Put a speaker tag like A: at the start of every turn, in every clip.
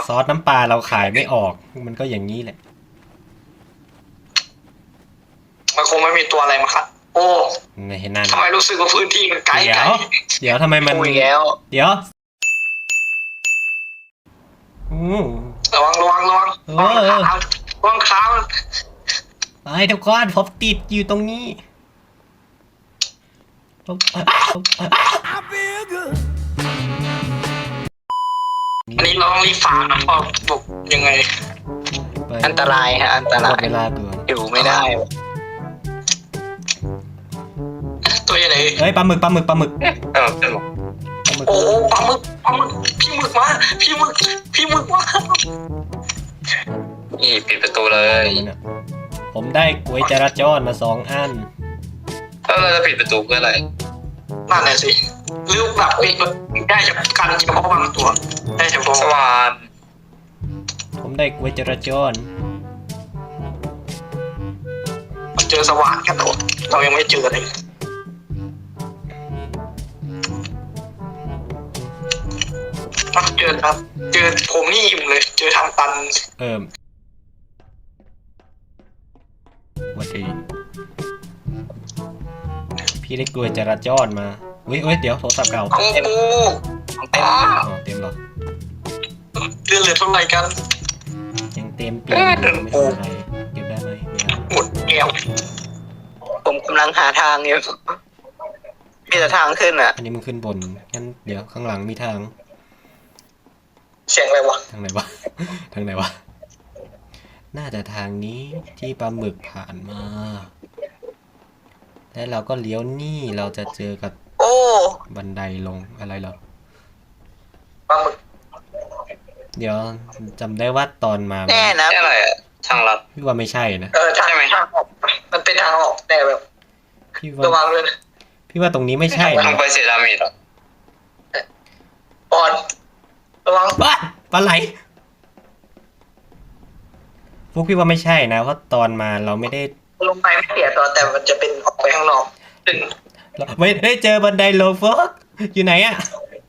A: ซอสน้ำปลาเราขายไม่ออกมันก็อย่างนี้แหละ
B: มันคงไม่มีตัวอะไรมาครับโอ้
A: เห็นนั่น
B: ทำไมรู้สึกว่าพื้นที่มันไกล
A: เดี๋ยวทำไมมัน
B: เดี๋ยวระวังขา
A: ไอ้ทุกคนผมติดอยู่ตรงนี้
B: อันนี้เราต้องรีบฝ่านะเพราะบุกยังไงอันตรายฮะอันตรายอยู่ไม่ได้ตัวใหญ่
A: เฮ้ยปลาหมึก
B: โอ้ปลาหมึกพี่หมึกมานี่ปิดประตูเลย
A: ผมได้ก๋วยจราจรมา2 อัน
B: แล้วเราจะปิดประตูเพื่ออะไรนั่นแหละสิหรือแบบได้เฉพาะการเฉพาะบางตัวได้เฉพาะสว่าน
A: ผมได้ก๋วยจราจร
B: เจอสว่านกันตัวเรายังไม่เจอเลยเจอครับเจอผมนี่อิ่มเลยเจอทางตัน
A: วันดีพี่ได้กล้วยจราจรมาเฮ้ยเดี๋ยวโทรศัพท์เก่า
B: เต็ม
A: หรอ
B: เลือดเท่าไหร่กัน
A: ยังเต็มปีไม่เป็นไรเก็บได้ไหม
B: หมดแก้วผมกำลังหาทางอยู่มีแต่ทางขึ้นอ่ะ
A: อันนี้มันขึ้นบนงั้นเดี๋ยวข้างหลังมีทาง
B: เสียงอะไรวะ
A: ทางไหนวะน่าจะทางนี้ที่ปลาหมึกผ่านมาแล้วเราก็เลี้ยวนี่เราจะเจอกับบันไดลงอะไรเหรอ
B: ปลาหมึก
A: เดี๋ยวจำได้ว่าตอนมา
B: แน่นะอะไรอะทางลัด
A: พี่ว่าไม่ใช่นะ
B: ใช่ไหมทางออกมันเป็นทางออกแต่แบบระวังเลย
A: พี่ว่าตรงนี้ไม่ใช่
B: ทางไปเซรามิดหรอปอนระวัง
A: ปลาไหลพวกพี่ว่าไม่ใช่นะเพราะตอนมาเราไม่ได้
B: ลงไปไม่เสียตัวแต่มันจะเป็นออกไปข้างนอก
A: ไม่ได้เจอบันไดลงฟอกอยู่ไหนอ่ะ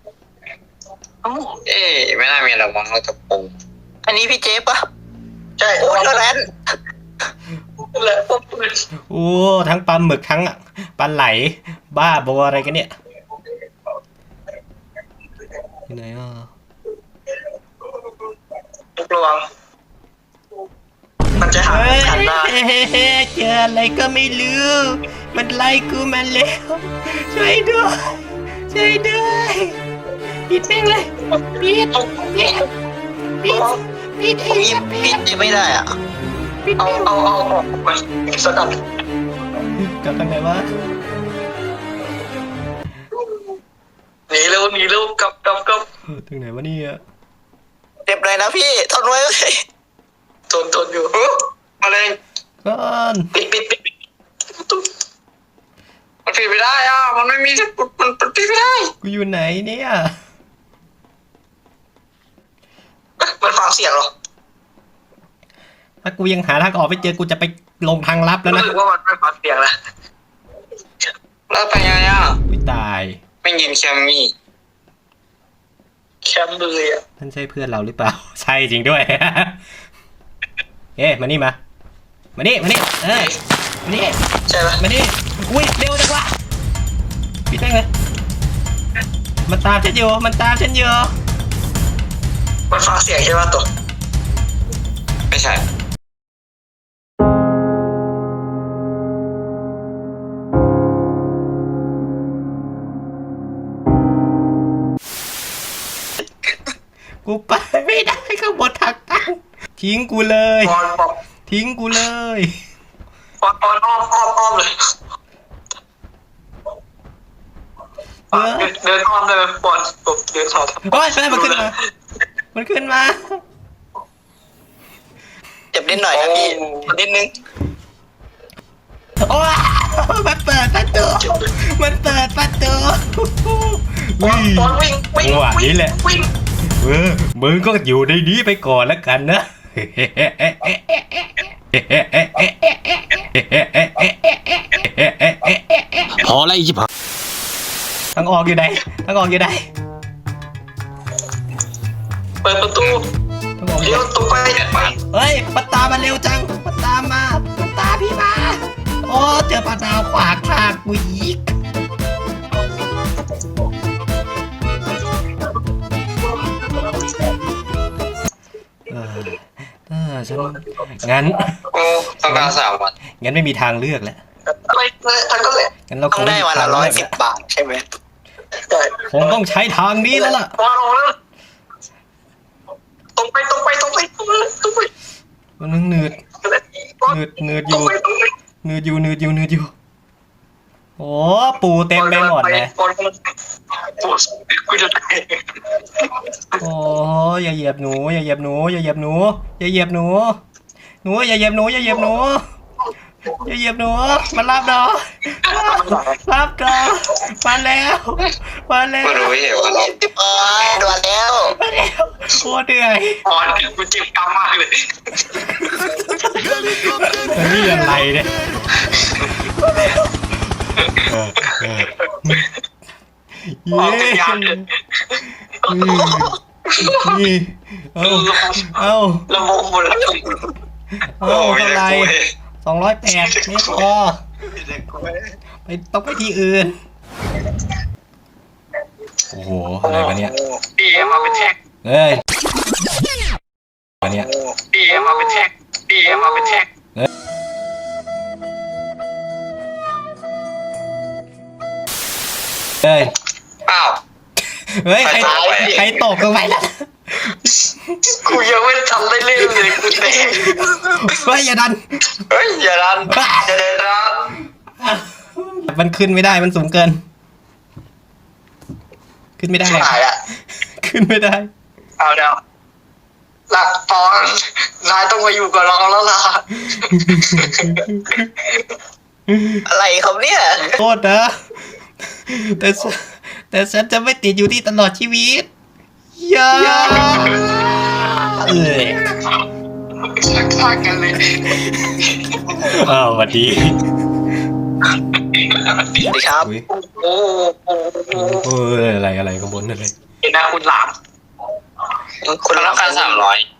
B: ไม่น่ามีหรอกมั้งเราจะปูอันนี้พี่เจ๊ปะใช่โอ้เท่านั้น
A: โอ้ทั้งปลาหมึกทั้งปลาไหลบ้าบออะไรกันเนี่ยอยู่ไหนอ่ะ
B: ระวังมันจะหาทันได้
A: เจออะไรก็ไม่รู้มันไล่กูมาแล้วช่วยด้วยปิดแม่งเลยปิด
B: ไม่ได้อ่ะเอาไปสกัด
A: กลับทางไหนวะ
B: หนีเร็วกลับ
A: ทางไหนวะเนี่ย
B: เจ็บเลยนะพี่ทนไว้เลยทนอยู่มาเลย
A: ก่อน
B: ปิดมันปิดไม่ได้อ่ะมันไม่มีมันปิดไม่ได้
A: กูอยู่ไหนเนี่ย
B: มันฟังเสียงหรอ
A: ถ้ากูยังหาทางออกไม่เจอกูจะไปลงทางลับแล้วนะ
B: รู้สึกว่ามันไม่ฟังเสียงแล้วไปยังไงอ่ะ
A: ไม่ตาย
B: ไม่ยินแคมเลยอ่ะ
A: ท่านใช่เพื่อนเราหรือเปล่าใช่จริงด้วยมานี่มานี่มานี่
B: ใช่ปะ
A: มานี่อุ้ยเร็วจังวะปิดได้เลยมันตามฉันอยู่
B: มันฟังเสียงใช่ปะตัวไม่ใช่
A: กูไปไม่ได้ข้างบนทางตันทิ้งกูเลยปอนปอนอ้อมเลยเดินอ้อมเลยปอนเดินอ้อมโอ้ยมันขึ้นมา
B: เจ็บนิดหน่อยนะพี่นิดนึง
A: โอ้ยมันเปิดประตู
B: ปอนวิ่ง
A: นี่แหละมึงก็อยู่ในนี้ไปก่อนแล้วกันนะ
C: พอแล้วอีจิบ
A: ทางออกอยู่ไหน
B: เปิดประตู
A: ขวางทางกูอีกฉันงั้น
B: โอ้ต้องการ3 วัน
A: งั้นไม่มีทางเลือกแล้ว
B: ไม่ทันก็เลย
A: งั้นเราค
D: ต้อง
A: ง
D: ได้วันละ110 บาทใช่ไหม
A: คงต้องใช้ทางนี้แล้วล่ะ
B: ตรงไป
A: มันนึงหนืดอยู่โอ้ปูเต็มไปหมดเลยโอ้อย่าเหยียบหนูอย่าเหยียบหนูอย่าเหยียบหนูอย่าเหยียบหนูอย่าเหยียบหนูอย่าเหยียบหนูอย่าเหยียบหนูมารับดอรับดอมาแล้ว
B: ไม่รู้เหรอ
D: ด่วนแล้ว
A: โคตรเหนื่อย
B: กูเจ็บกำมากเลย
A: นี่อะไรเนี่ยเย้นี่เอา
B: ระบบหมดแล้ว
A: เท่าไร208ไม่พอไปต้องไปที่อื่นโอ้โหอะไรกันเนี่ย
B: ดีมาเป็นแท็ก
A: เฮ้ยอะไรเนี่ย
B: ดีมาเป็นแท็ก
A: เฮ้ย
B: อ้าว
A: เฮ้ยใครตกลงไปล่ะ
B: กูยังไม่ทำได้เล่นเลยกูเตะ
A: เฮ้ยอย่าดัน
B: เฮ้ยอย่าดันอย่าเดินดัน
A: มันขึ้นไม่ได้มันสูงเกิน ขึ้นไม่ได้
B: หายอ่ะ
A: ขึ้นไม่ได้
B: เอาเดี๋ยวหลักตอนนายต้องมาอยู่กับเราแล้วล่ะ
D: อะไรครับเนี่ย
A: โทษนะแต่ฉันจะไม่ติดอยู่ที่ตลอดชีวิตอย่า
B: ชักกันเลย
A: อ้าวสวัสดี
D: สวัสดีครับ
A: อุ๊ย
B: โอ้โห
A: อะไรข้างบนอะไร
B: เห็นนะคุณหลามคุณต้องการ300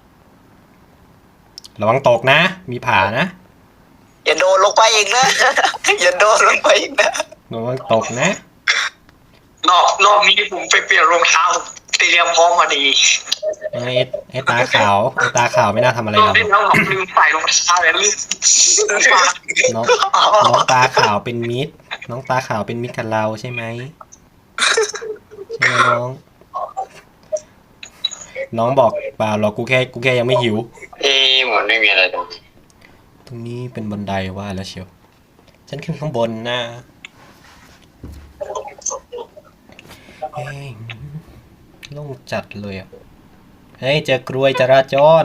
A: ระวังตกนะ มีผานะ
D: อย่าโดนลงไปอีกนะ อย่าโดนลงไปอีกนะ
A: ระวังตกนะ
B: รอบนี้ผมไปเปลี่ยนรองเท้าเตรียมพร้อมมาดี
A: ไอ้ตาขาวไม่น่าทำอะไร
B: รอบ
A: เรา
B: นี้แล้วผมลืมใส่รองเท้าเลยลืม
A: น้องตาขาวเป็นมิตรน้องตาขาวเป็นมิตรกับเราใช่ไหมใช่ไหมน้องบอกเปล่าหรอกกูแค่ยังไม่หิว
B: เหมือนไม่มีอะไรตรงนี้
A: ตรงนี้เป็นบันไดว่าแล้วเชียวฉันขึ้นข้างบนนะเฮ้ยโล่งจัดเลยอ่ะเฮ้ยเจอกรวยจราจร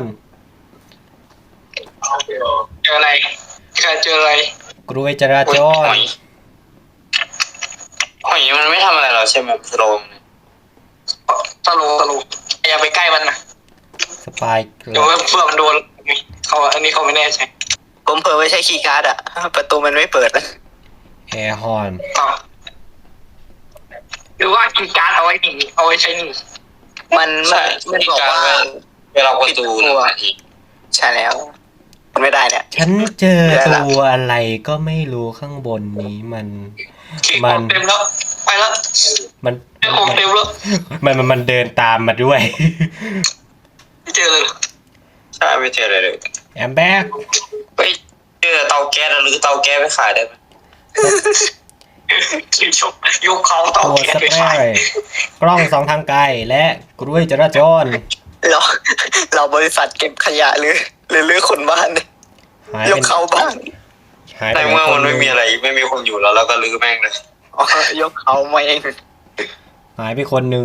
B: เจออะไร
A: กรวยจราจร
B: หอยมันไม่ทำอะไรเราใช่ไหมสโลมอย่าไปใกล้มันนะ
A: สปายเกลื
B: เดี๋ยวเพื่อมันโดนเขาอันนี้เขาไม่แน่ใจ
D: ผมเผลอไม่ใช่คีย์การ์ดอะประตูมันไม่เปิดนะ
A: แอร์ฮอน
B: หรือว่าคีย์การ์ดเอาไว้ใช้หนี
D: มันบอกว่า
B: เวลาประตู
D: ใช่แล้วมันไม่ได้เนี่ย
A: ฉันเจอตัวอะไรก็ไม่รู้ข้างบนนี้มัน
B: เต็มแล้วไปแล้ว
A: มัน
B: ของเต็มแล้ว
A: มันเดินตามมาด้วย
B: ไม่เจอเลยใช่ไม่เจอเลย
A: แอมแบ็ก
B: ไปเจอเตาแก๊สหรือเตาแก๊สไปขายได้ไหมยกเขาเตา
A: ตัว
B: แก๊ส
A: ส
B: ไป
A: เปร
B: ขาย
A: ย์กล้องสองทางไกลและกล้วยจราจร
D: เราบริษัทเก็บขยะหรือรื้อคนบ้านเนี่ย
A: หาย
D: ย
A: เป็
D: ก
A: น
D: เขาบ้าน
A: หาย
B: ใน
A: ไป
B: เมื่อมัน
A: ค
B: ไม่มีอะไรไม่มีคนอยู่แล้วก็รื้อแม่งเลย
D: อ๋อยกเขามาเอง
A: หายไปคนหนึ่ง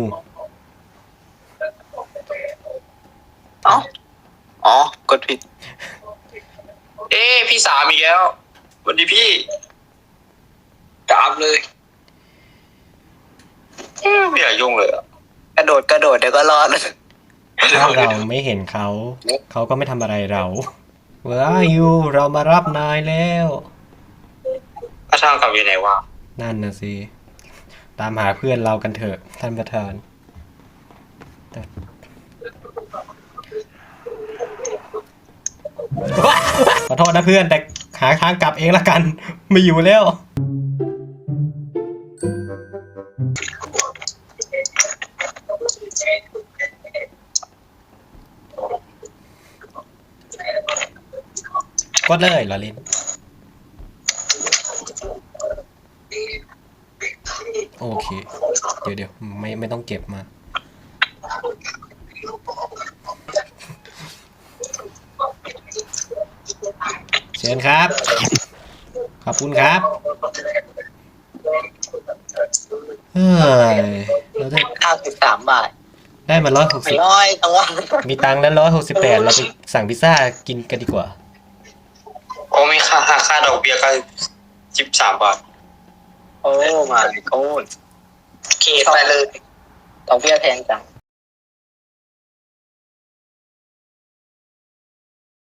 D: อ๋อกดผิด
B: พี่สามอีกแล้วสวัสดีพี่จับเลยไม่อยากยุ่งเลยอ่ะ
D: กระโดดเดี๋ยวก็รอด
A: ถ้าเราไม่เห็นเขาก็ไม่ทำอะไรเราว้ายูเรามารับนายแล้ว
B: ถ้าช่างกลับอยู่ไหนวะ
A: นั่นนะสิตามหาเพื่อนเรากันเถอะท่านประธานขอโทษนะเพื่อนแต่หาทางกลับเองละกันไม่อยู่แล้วกดเลยเราเล่นโอเคเดี๋ยวไม่ต้องเก็บมาเชิญครับขอบคุณครับเฮ้ยเราได้
D: 93 บาท
A: ได้มา160
D: น้อยจังวะ
A: มีตังค์แล้ว168เราไปสั่งพิซซ่ากินกันดีกว่า
B: โอ้มีค่าดอกเบี้ยก็13 บาท
D: โอ้มาโกนเคไปเลยดอกเบี้ยแพงจัง